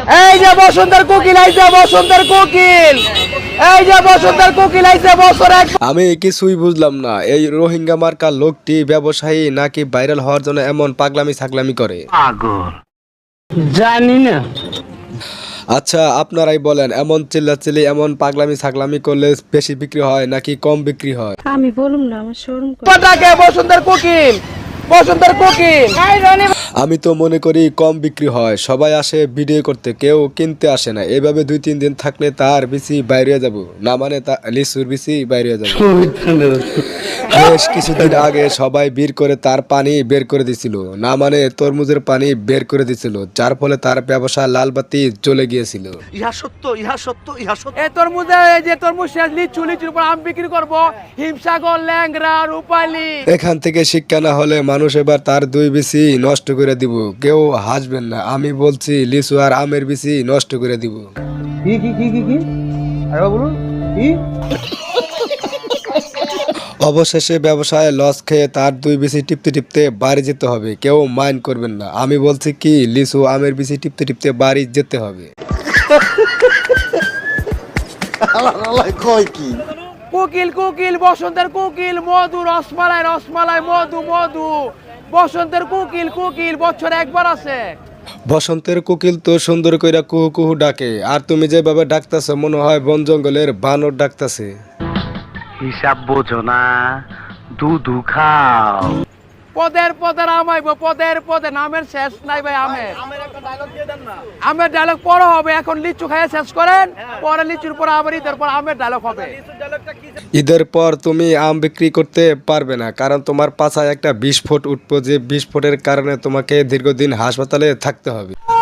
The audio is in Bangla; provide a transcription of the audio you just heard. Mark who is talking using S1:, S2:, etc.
S1: এই যে বসন্তের কোকিল আইছে, বসন্তের কোকিল, এই যে বসন্তের কোকিল আইছে বছর এক।
S2: আমি কিছুই বুঝলাম না, এই রোহিঙ্গা মার্কা লোকটি ব্যবসায়ী নাকি ভাইরাল হওয়ার জন্য এমন পাগলামি ছাগলামি করে।
S1: জানি না।
S2: আচ্ছা আপনারাই বলেন, এমন চিল্লাচিল্লি এমন পাগলামি ছাগলামি করলে বেশি বিক্রি হয় নাকি কম বিক্রি হয়?
S3: আমি বলুম না, আমার শোরুম
S1: পটাকে বসন্তের কোকিল, বসন্তের কোকিল।
S2: আমি তো মনে করি কম বিক্রি হয়, সবাই আসে ভিডিও করতে, কেউ কিনতে আসে না। এভাবে 2-3 দিন থাকলে তার বিসি বাইরে হয়ে যাব, না মানে লিচুর বিসি বাইরে হয়ে যাবে। বেশ কিছুদিন আগে সবাই বের করে তার পানি বের করে দিছিল, না মানে তরমুজের পানি বের করে দিছিল, যার ফলে তার ব্যবসা লাল বাতি জ্বলে গিয়েছিল।
S4: ইহা সত্য, ইহা সত্য, ইহা সত্য।
S1: এই তরমুজে, এই যে তরমুজ শেষ, লিচু, লিচুর উপর আম বিক্রি করবো, হিমসাগর, ল্যাংড়া, রূপালী।
S2: এখান থেকে শিক্ষা না হলে মানুষ এবার তার 2 বিসি নষ্ট করে দিব। কেউ হাসবেন না, আমি বলছি লিচু আর আমের বিসি নষ্ট করে দিব।
S1: কি কি কি কি কি আরে বলুন কি?
S2: অবশেষে ব্যবসায় লস খেয়ে তার 2 বিসি টিপতে টিপতে বাড়ি যেতে হবে। কেউ মাইন্ড করবেন না, আমি বলছি কি লিচু আমের বিসি টিপতে টিপতে বাড়ি যেতে হবে।
S4: কয় কি?
S1: কোকিল, কোকিল, বসন্তের কোকিল, মধু, রসমালাই, রসমালাই, মধু, মধু, বসন্তের কোকিল, কোকিল বছর একবার আছে।
S2: বসন্তের কোকিল তো সুন্দর কইরা কুহু কুহু ডাকে, আর তুমি যেভাবে ডাকতাছো মনে হয় বন জঙ্গলের বানর ডাকতাছে।
S5: হিসাব বোঝো না, দুধু খাও।
S1: পদের পদের আমাইব, পদের পদে, নামের শেষ নাই ভাই। আমের ডায়লগ পরে হবে, এখন লিচু খাইয়ে শেষ করেন, পরে লিচুর পর আবার ঈদের পর আমের ডায়লগ হবে।
S2: ঈদের পর তুমি আম বিক্রি করতে পারবে না, কারণ তোমার পাছায় একটা বিস্ফোট উঠবো, যে বিস্ফোটের কারণে তোমাকে দীর্ঘদিন হাসপাতালে থাকতে হবে।